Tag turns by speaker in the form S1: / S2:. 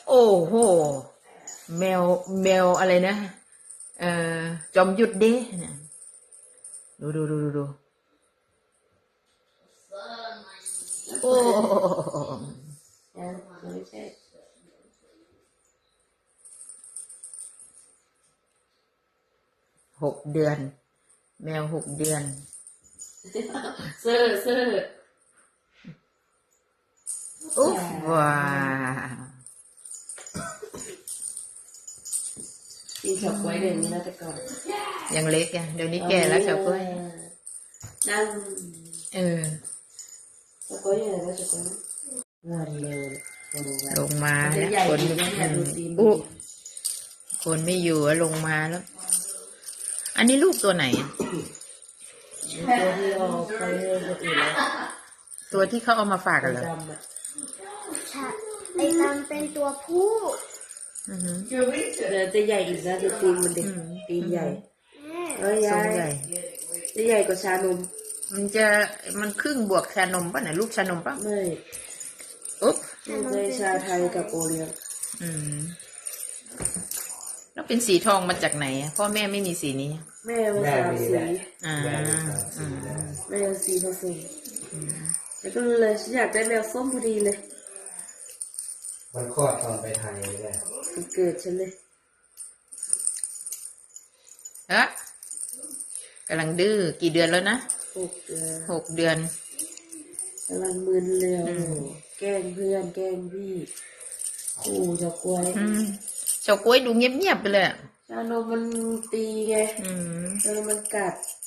S1: โอ้โหแมวแมวอะไรนะจอมหยุดเด้เนี่ยดูโอ้
S2: ไม่ใช่
S1: 6 เดือนแมว6 เดือน
S2: เสื้อ
S1: อุ๊บว้า
S2: กินเฉาก๊วยเดี๋ยวนี้นะแต่ก่อน
S1: ยังเล็กอ่ะเดี๋ยวนี้แก่แล้วเฉาก๊วย
S2: นั่ง
S1: เออ
S2: เฉาก๊วยยังไงก็เฉาก๊วยวันเร็ว
S1: ลงมาแล้วคนอุ๊คนไม่อยู่ลงมาแล้วอันนี้ลูกตัวไหน
S2: ตัวที่เราไปคนอื่นแล้ว
S1: ตัวที่เขาเอามาฝากกันเหรอ
S3: ไอ้ดำเป็นตัวผู้
S2: เดี๋ยวจะใหญ่อีกนะจะตีนมันเด็กตีนใหญ่
S1: ทรงใหญ่
S2: จะใหญ่กว่าชานม
S1: มันครึ่งบวกชานมป่ะไหนลูกชานมป่ะ
S2: ไม่
S1: อุ๊บ
S2: ในชาไทยกับโอเลี้ยง
S1: แล้วเป็นสีทองมาจากไหนพ่อแม่ไม่มีสีนี้
S2: แม่มา3 สีแม่สีผสมแล้วก็เลยฉันอยากได้แมวส้มพอดีเลย
S4: มันคลอดตอนไปไทยเลย
S2: มันเกิดฉันเลย
S1: กำลังดื้อกี่เดือนแล้วนะ6 เดือน
S2: กำลังมึนเลยแกล้งเพื่อนแกล้งพี่ขู่เฉาก๊วย
S1: เฉาก๊วยดูเงียบๆไปเลย
S2: ชานมมันตีไงชานมมันกัด